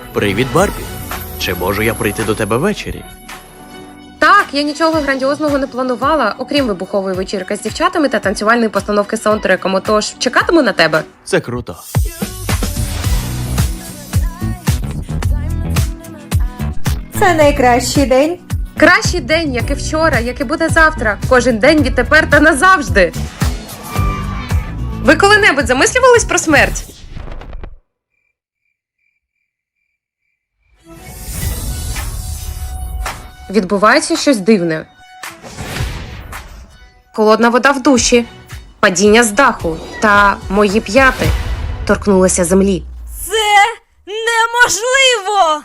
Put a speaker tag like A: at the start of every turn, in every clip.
A: Привіт, Барбі. Чи можу я прийти до тебе ввечері?
B: Так, я нічого грандіозного не планувала, окрім вибухової вечірки з дівчатами та танцювальної постановки з саундтреком, отож чекатиму на тебе.
A: Це круто.
C: Це найкращий день.
B: Кращий день, як і вчора, як і буде завтра. Кожен день відтепер та назавжди. Ви коли-небудь замислювались про смерть? Відбувається щось дивне. Холодна вода в душі, падіння з даху та мої п'яти торкнулися землі.
D: Це неможливо!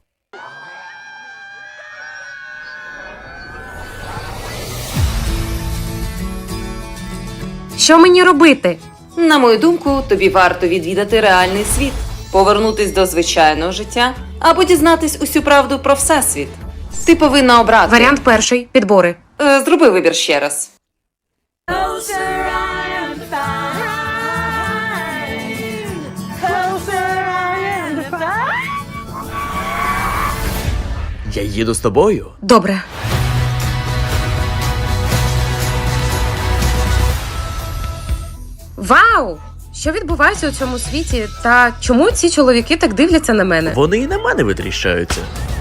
B: Що мені робити?
E: На мою думку, тобі варто відвідати реальний світ, повернутись до звичайного життя або дізнатись усю правду про всесвіт. Ти повинна обрати.
B: Варіант перший – підбори.
E: Зроби вибір ще раз.
A: Я їду з тобою.
B: Добре. Вау! Що відбувається у цьому світі? Та чому ці чоловіки так дивляться на мене?
A: Вони і на мене витріщаються.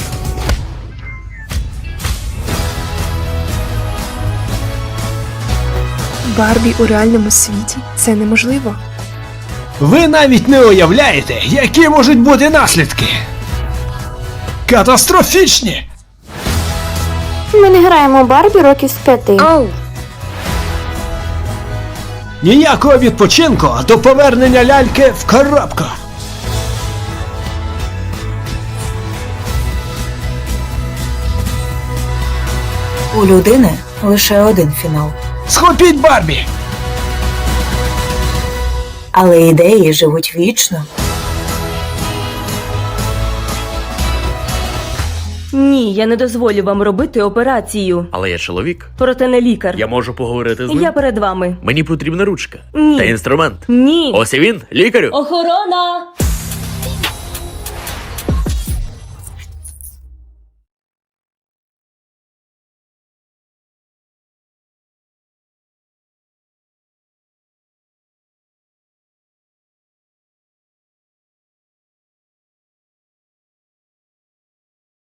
F: Барбі у реальному світі – це неможливо.
G: Ви навіть не уявляєте, які можуть бути наслідки. Катастрофічні!
C: Ми не граємо Барбі років з 5.
B: Оу!
G: Ніякого відпочинку до повернення ляльки в коробку.
H: У людини лише один фінал.
G: Схопіть Барбі!
H: Але ідеї живуть вічно.
D: Ні, я не дозволю вам робити операцію.
A: Але я чоловік.
D: Проте не лікар.
A: Я можу поговорити з ним.
D: Я перед вами.
A: Мені потрібна ручка.
D: Ні.
A: Та інструмент.
D: Ні.
A: Ось і він, лікарю.
D: Охорона!